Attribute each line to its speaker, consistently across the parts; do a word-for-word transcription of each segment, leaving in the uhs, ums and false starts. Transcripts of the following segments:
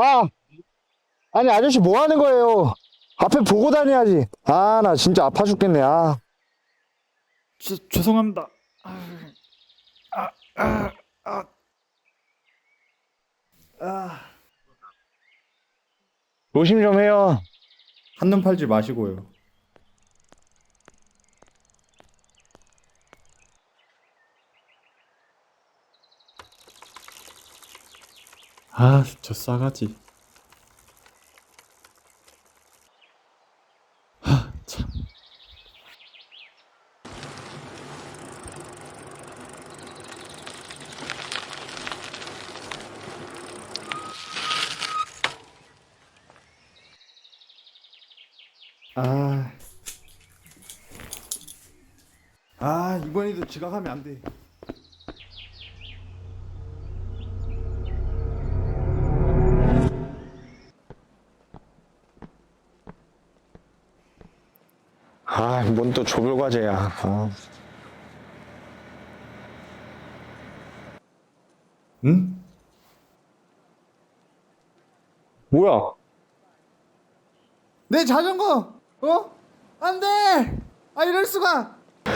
Speaker 1: 아, 아니 아저씨 뭐 하는 거예요? 앞에 보고 다녀야지. 아, 나 진짜 아파 죽겠네. 아,
Speaker 2: 죄, 죄송합니다. 아, 아, 아, 아, 아.
Speaker 1: 조심 좀 해요.
Speaker 2: 한눈 팔지 마시고요. 아, 저 싸가지. 하, 참. 아, 아 이번에도 지각하면 안 돼.
Speaker 1: 아, 뭔 또 조별 과제야. 아.
Speaker 2: 응?
Speaker 1: 뭐야?
Speaker 2: 내 자전거! 어? 안 돼! 아, 이럴 수가!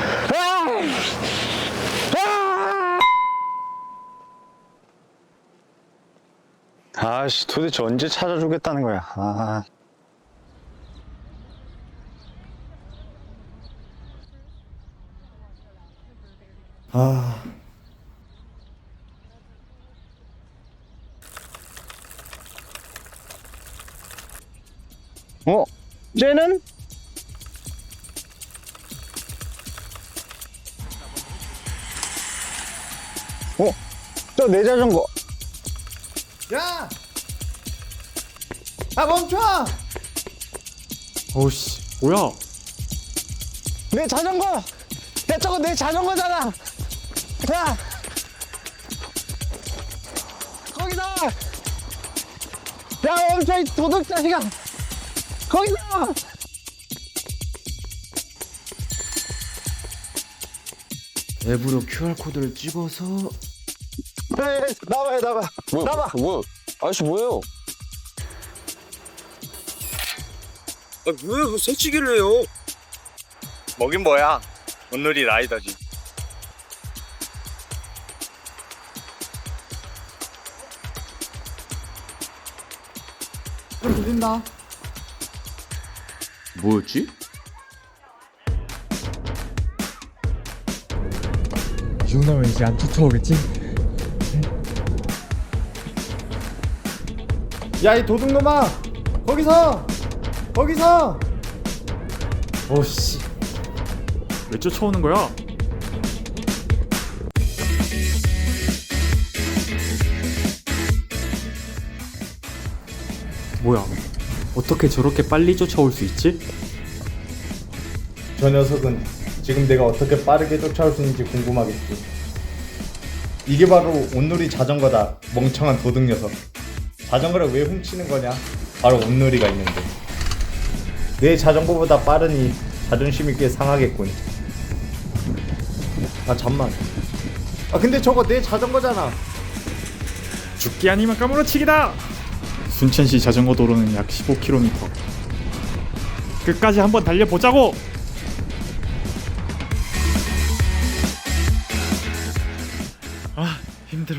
Speaker 1: 아씨, 도대체 언제 찾아주겠다는 거야? 아,
Speaker 2: 아,
Speaker 1: 어? 쟤는? 어? 저 내 자전거.
Speaker 2: 야! 아, 멈춰! 어우씨, 뭐야?
Speaker 1: 내 자전거. 야, 저거 내 자전거잖아. 야, 거기다. 야, 멈춰, 이 도둑 자식아. 거기다.
Speaker 2: 앱으로 큐알코드를 찍어서
Speaker 1: 에이, 나와요, 나와.
Speaker 3: 뭐야?
Speaker 1: 나와.
Speaker 3: 뭐야? 아저씨 뭐예요? 아 뭐야? 그 새치기를 해요?
Speaker 4: 뭐긴 뭐야. 오늘이 라이더지.
Speaker 2: 좀 들린다. 뭐였지?
Speaker 5: 이 정도면 이제 안 쫓아오겠지?
Speaker 2: 야, 이 도둑놈아! 거기서! 거기서! 어씨, 왜 쫓아오는 거야? 뭐야? 어떻게 저렇게 빨리 쫓아올 수 있지? 저 녀석은 지금 내가 어떻게 빠르게 쫓아올 수 있는지 궁금하겠지. 이게 바로 온누리 자전거다. 멍청한 도둑 녀석. 자전거를 왜 훔치는 거냐? 바로 온누리가 있는데. 내 자전거보다 빠르니 자존심이 꽤 상하겠군. 아, 잠만. 아, 근데 저거 내 자전거잖아. 죽기 아니면 까무러치기다. 순천시 자전거 도로는 약 십오 킬로미터. 끝까지 한번 달려보자고. 아, 힘들어.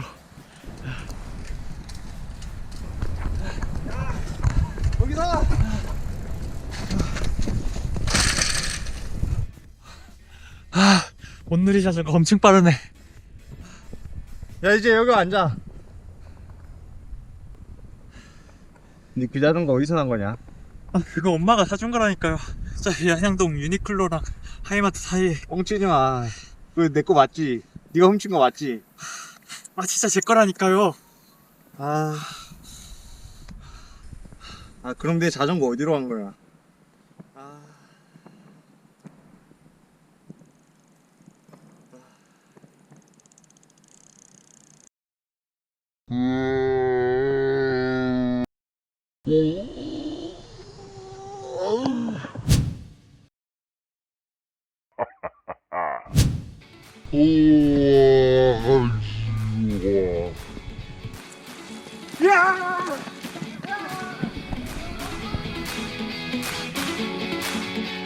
Speaker 1: 거기다.
Speaker 5: 온누리 자전거 엄청 빠르네.
Speaker 1: 야, 이제 여기 앉아. 니 그 자전거 어디서 난 거냐?
Speaker 5: 아, 그거 엄마가 사준 거라니까요. 저 양양동 유니클로랑 하이마트 사이에.
Speaker 1: 뻥치지 마. 그거 내 거 맞지? 네가 훔친 거 맞지?
Speaker 5: 아, 진짜 제 거라니까요.
Speaker 1: 아, 아 그럼 내 자전거 어디로 간 거야? 아,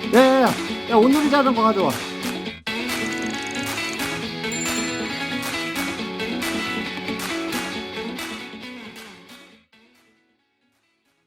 Speaker 1: 야야야 야 온누리 자전거 가져와.